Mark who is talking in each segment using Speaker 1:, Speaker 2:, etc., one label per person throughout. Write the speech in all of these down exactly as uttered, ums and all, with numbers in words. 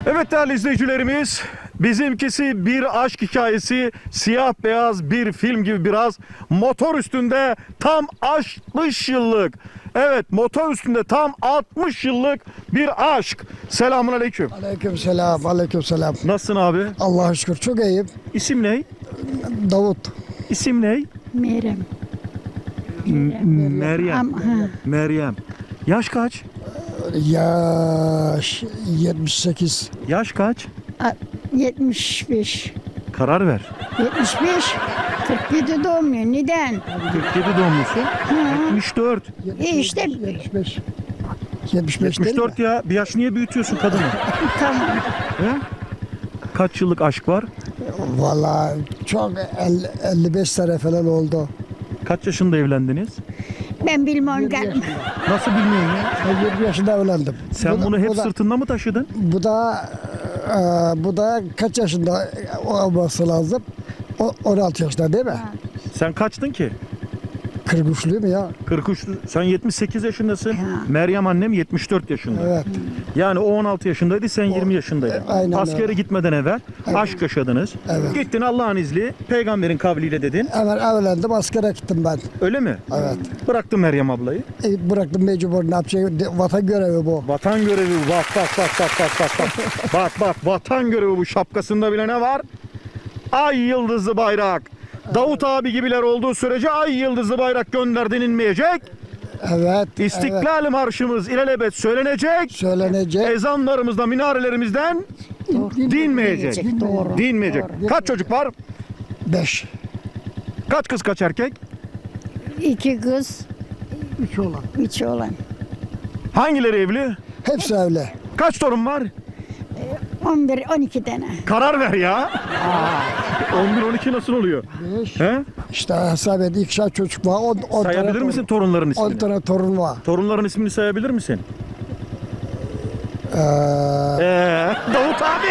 Speaker 1: Evet değerli izleyicilerimiz, bizimkisi bir aşk hikayesi, siyah beyaz bir film gibi biraz. Motor üstünde tam altmış yıllık, evet motor üstünde tam altmış yıllık bir aşk. Selamun aleyküm.
Speaker 2: Aleyküm selam, aleyküm selam.
Speaker 1: Nasılsın abi?
Speaker 2: Allah'a şükür çok iyiyim.
Speaker 1: İsim ne?
Speaker 2: Davut.
Speaker 1: İsim ne?
Speaker 3: Meryem.
Speaker 1: Meryem.
Speaker 3: Am- ha.
Speaker 1: Meryem. Yaş kaç?
Speaker 2: Yaş yetmiş sekiz.
Speaker 1: Yaş kaç?
Speaker 3: A- yetmiş beş.
Speaker 1: Karar ver.
Speaker 3: yetmiş beş. kırk yedi doğumluyor. Neden?
Speaker 1: kırk yedi doğumlusun. yetmiş dört.
Speaker 3: E işte
Speaker 2: yetmiş beş. yetmiş beş
Speaker 1: yetmiş dört
Speaker 2: değil mi?
Speaker 1: ya. Bir yaş niye büyütüyorsun kadını?
Speaker 3: tamam.
Speaker 1: He? Kaç yıllık aşk var?
Speaker 2: Vallahi çok elli, elli beş sene falan oldu.
Speaker 1: Kaç yaşında evlendiniz?
Speaker 3: Ben bilmem.
Speaker 2: yirmi
Speaker 3: gel-
Speaker 2: yaşında.
Speaker 1: Nasıl bilmiyorum ya.
Speaker 2: Ben yirmi yaşında evlendim.
Speaker 1: Sen
Speaker 2: Bu da-
Speaker 1: bunu hep
Speaker 2: bu da,
Speaker 1: sırtında mı taşıdın?
Speaker 2: Bu da e, bu da kaç yaşında olması lazım? O, on altı yaşında değil mi?
Speaker 1: Sen kaçtın ki?
Speaker 2: kırk üçlüyüm ya.
Speaker 1: kırk üç. Sen yetmiş sekiz yaşındasın.
Speaker 3: Ha.
Speaker 1: Meryem annem yetmiş dört yaşında.
Speaker 2: Evet.
Speaker 1: Yani o on altı yaşındaydı, sen yirmi yaşındaydın.
Speaker 2: aynen
Speaker 1: Askere
Speaker 2: öyle.
Speaker 1: gitmeden evvel aşk yaşadınız.
Speaker 2: Evet.
Speaker 1: Gittin Allah'ın izniyle, peygamberin kavliyle dedin.
Speaker 2: Hemen evlendim, askere gittim ben.
Speaker 1: Öyle mi?
Speaker 2: Evet.
Speaker 1: Bıraktın Meryem ablayı.
Speaker 2: E, bıraktım mecbur, ne yapacağım? De- Vatan görevi bu.
Speaker 1: Vatan görevi, bak bak bak bak bak bak bak. Bak bak, vatan görevi bu. Şapkasında bile ne var? Ay yıldızlı bayrak. Davut abi gibiler olduğu sürece ay yıldızlı bayrak gönder denilmeyecek.
Speaker 2: Evet. Evet.
Speaker 1: İstiklal Marşımız ilelebet söylenecek.
Speaker 2: Söylenecek.
Speaker 1: Ezanlarımızda, minarelerimizden dinmeyecek.
Speaker 3: Doğru.
Speaker 1: Dinmeyecek. Kaç çocuk var?
Speaker 2: Beş.
Speaker 1: Kaç kız, kaç erkek?
Speaker 3: İki kız,
Speaker 2: Üç olan.
Speaker 3: üç oğlan.
Speaker 1: Hangileri evli?
Speaker 2: Hepsi evli.
Speaker 1: Kaç torun var?
Speaker 3: on bir on iki tane.
Speaker 1: Karar ver ya. on bir on iki nasıl oluyor?
Speaker 2: Beş.
Speaker 1: He?
Speaker 2: İşte hesap et, ikişer çocuk var. On, on
Speaker 1: Sayabilir
Speaker 2: tane
Speaker 1: misin
Speaker 2: torun-
Speaker 1: torunların
Speaker 2: On
Speaker 1: ismini?
Speaker 2: tane torun var.
Speaker 1: Torunların ismini sayabilir misin?
Speaker 2: Ee,
Speaker 1: Ee, Davut abi.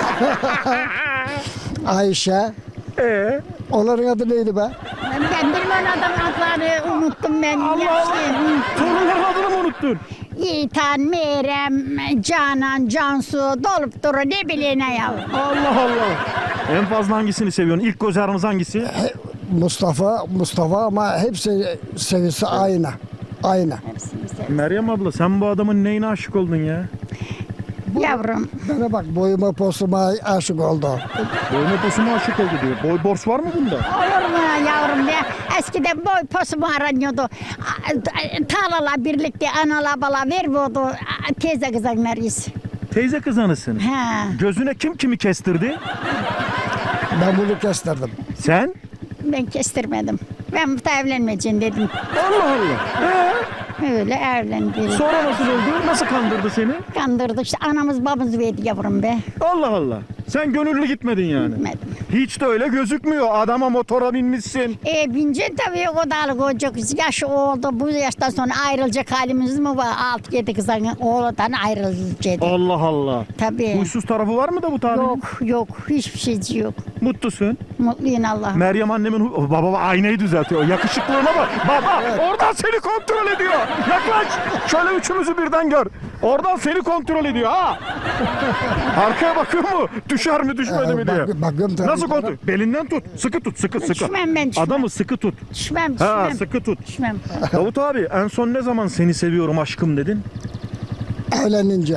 Speaker 2: Ayşe.
Speaker 1: Ee,
Speaker 2: Onların adı neydi be?
Speaker 3: Ben bilmem adam adları unuttum ben.
Speaker 1: Allah Allah. Torunların adını mı unuttun?
Speaker 3: Yiğitan, Meryem, Canan, Cansu dolup duru ne bileyim ne ya.
Speaker 1: Allah Allah. En fazla hangisini seviyorsun? İlk göz ağrınız hangisi?
Speaker 2: He- Mustafa, Mustafa ama hepsi seviyesi aynı. Aynı.
Speaker 1: Meryem abla, sen bu adamın neyine aşık oldun ya?
Speaker 3: Yavrum,
Speaker 2: Bana bak, boyuma posuma aşık oldu.
Speaker 1: Boyuna posuma aşık oldu diyor. Boy borç var mı bunda?
Speaker 3: olur mu yavrum be? Eskiden boy posumu aranıyordu. A- Tarlala birlikte anala bala veriyordu. A- Teyze kızanlarıyız.
Speaker 1: Teyze kızanısın.
Speaker 3: Ha.
Speaker 1: Gözüne kim kimi kestirdi?
Speaker 2: Ben bunu kestirdim.
Speaker 1: Sen?
Speaker 3: Ben kestirmedim. Ben bu da evlenmeyeceğim dedim.
Speaker 1: Allah Allah. Ee,
Speaker 3: Öyle evlendim.
Speaker 1: sonra nasıl oldu? Nasıl kandırdı seni?
Speaker 3: Kandırdık işte anamız babamız verdi yavrum be.
Speaker 1: Allah Allah. Sen gönüllü gitmedin yani.
Speaker 3: Gitmedim.
Speaker 1: Hiç de öyle gözükmüyor. Adama motora binmişsin.
Speaker 3: E bince tabii o dağlık olacak. Yaş oldu. Bu yaştan sonra ayrılacak halimiz mi var? Altı yedi kızın oğludan ayrılacak.
Speaker 1: Allah Allah.
Speaker 3: Tabii.
Speaker 1: Huysuz tarafı var mı da bu tabirin?
Speaker 3: Yok yok. Hiçbir şey yok.
Speaker 1: Mutlusun.
Speaker 3: Mutluyum Allah'ım.
Speaker 1: Meryem annemin hu- baba baba aynayı düzeltiyor. Yakışıklığına bak. Baba oradan seni kontrol ediyor. Yaklaş. Şöyle üçümüzü birden gör. Oradan seni kontrol ediyor ha. Arkaya bakıyor mu? Düşer mi düşmedi mi
Speaker 2: Ee,
Speaker 1: diye.
Speaker 2: bak- bakıyorum tabii
Speaker 1: Nasıl
Speaker 2: canım.
Speaker 1: kontrol? Belinden tut. Sıkı tut. Sıkı sıkı.
Speaker 3: Düşmem ben, düşmem.
Speaker 1: Adamı sıkı tut.
Speaker 3: Düşmem
Speaker 1: Ha
Speaker 3: düşmem.
Speaker 1: sıkı tut.
Speaker 3: Düşmem.
Speaker 1: Davut abi en son ne zaman seni seviyorum aşkım dedin?
Speaker 2: Evlenince.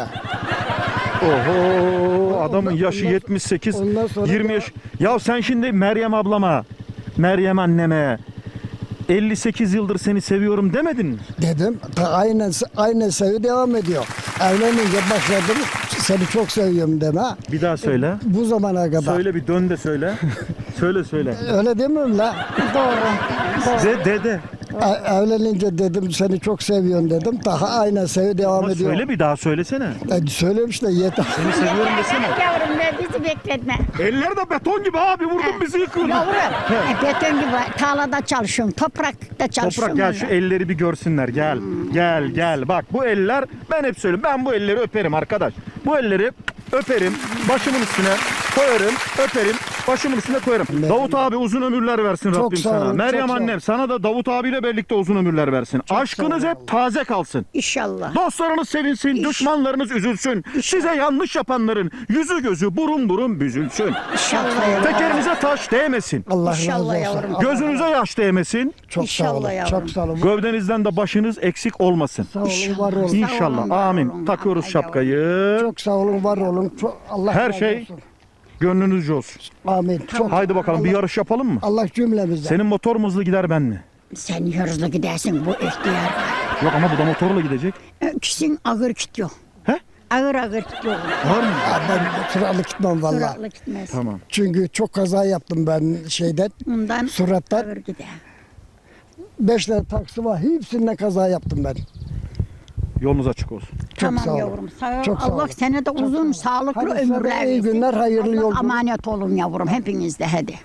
Speaker 1: Oho adamın
Speaker 2: Ondan-
Speaker 1: yaşı
Speaker 2: ondan-
Speaker 1: yetmiş sekiz
Speaker 2: ondan sonra
Speaker 1: yirmi
Speaker 2: da-
Speaker 1: yaş. Ya sen şimdi Meryem ablama, Meryem anneme elli sekiz yıldır seni seviyorum demedin mi?
Speaker 2: Dedim. Ta aynen, aynen sevi devam ediyor. Evlenince başladım. Seni çok seviyorum deme.
Speaker 1: Bir daha söyle.
Speaker 2: Bu zamana kadar.
Speaker 1: Söyle bir dön de söyle. Söyle söyle.
Speaker 2: Öyle demiyorum la.
Speaker 3: Doğru.
Speaker 1: De de de.
Speaker 2: E- Evlenince dedim seni çok seviyorum dedim. Daha aynen sevi devam
Speaker 1: Ama
Speaker 2: ediyor.
Speaker 1: söyle bir daha söylesene.
Speaker 2: E, söyleyeyim işte yeter.
Speaker 1: Seni seviyorum desene.
Speaker 3: Yavrum be bizi bekletme.
Speaker 1: Eller de beton gibi abi vurdun bizi yıkıyordun.
Speaker 3: Yavrum. E, beton gibi tarlada çalışıyorum. Toprakta çalışıyorum.
Speaker 1: Toprak gel şu
Speaker 3: öyle.
Speaker 1: elleri bir görsünler gel. Gel gel bak bu eller ben hep söylüyorum ben bu elleri öperim arkadaş. Bu elleri öperim başımın üstüne koyarım öperim. Başımın üstüne koyarım. Davut abi uzun ömürler versin
Speaker 2: Çok
Speaker 1: Rabbim
Speaker 2: sağ
Speaker 1: sana.
Speaker 2: olun,
Speaker 1: Meryem
Speaker 2: çok sağ
Speaker 1: annem sana da Davut abiyle birlikte uzun ömürler versin. Aşkınız
Speaker 2: sağ
Speaker 1: hep
Speaker 2: olun.
Speaker 1: taze kalsın.
Speaker 3: İnşallah.
Speaker 1: Dostlarınız sevinsin, düşmanlarınız üzülsün. Size yanlış yapanların yüzü gözü burun burun büzülsün.
Speaker 3: İnşallah yavrum.
Speaker 1: Tekerinize taş değmesin.
Speaker 2: Allah razı
Speaker 3: İnşallah
Speaker 2: olsun.
Speaker 3: yavrum.
Speaker 2: Allah-
Speaker 1: Gözünüze yaş değmesin.
Speaker 2: Çok sağ
Speaker 3: İnşallah
Speaker 2: olun.
Speaker 3: yavrum.
Speaker 2: Çok sağ olun.
Speaker 1: Gövdenizden de başınız eksik olmasın.
Speaker 2: Sağ olun, var olun.
Speaker 3: Sağ
Speaker 1: İnşallah.
Speaker 3: olun, var
Speaker 1: Amin.
Speaker 3: olun.
Speaker 1: Takıyoruz
Speaker 3: Allah
Speaker 1: şapkayı.
Speaker 2: Çok sağ olun, var olun. Çok, Allah
Speaker 1: Her
Speaker 2: razı
Speaker 1: şey
Speaker 2: olsun.
Speaker 1: gönlünüzce olsun.
Speaker 2: Amin. Çok
Speaker 1: Haydi bakalım bir yarış yapalım mı?
Speaker 2: Allah cümlemizden.
Speaker 1: Senin motor mu hızlı gider ben mi?
Speaker 3: Sen hırslı gidersin bu ihtiyar.
Speaker 1: Yok ama bu da motorla gidecek.
Speaker 3: Öküsün ağır gidiyor.
Speaker 1: He?
Speaker 3: Ağır ağır gidiyor.
Speaker 1: Var mı?
Speaker 2: Ya ben sıralı gitmem valla.
Speaker 3: Süratli gitmez.
Speaker 1: Tamam.
Speaker 2: Çünkü çok kaza yaptım ben şeyden.
Speaker 3: Ondan
Speaker 2: Surattan.
Speaker 3: ağır gider.
Speaker 2: Beş tane taksi var. Hepsinde kaza yaptım ben.
Speaker 1: Yolunuz açık olsun.
Speaker 3: Tamam
Speaker 2: sağ olun.
Speaker 3: yavrum. Sağ ol.
Speaker 2: Çok sağ
Speaker 3: Allah
Speaker 2: olun.
Speaker 3: sana da uzun sağlıklı
Speaker 2: Hadi sana
Speaker 3: ömürler
Speaker 2: iyi
Speaker 3: versin.
Speaker 2: günler, hayırlı
Speaker 3: Allah
Speaker 2: yolculuk.
Speaker 3: emanet olun yavrum hepiniz de hadi.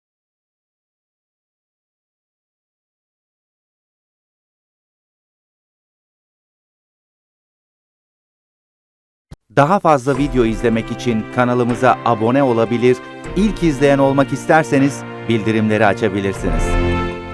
Speaker 4: Daha fazla video izlemek için kanalımıza abone olabilir, ilk izleyen olmak isterseniz bildirimleri açabilirsiniz.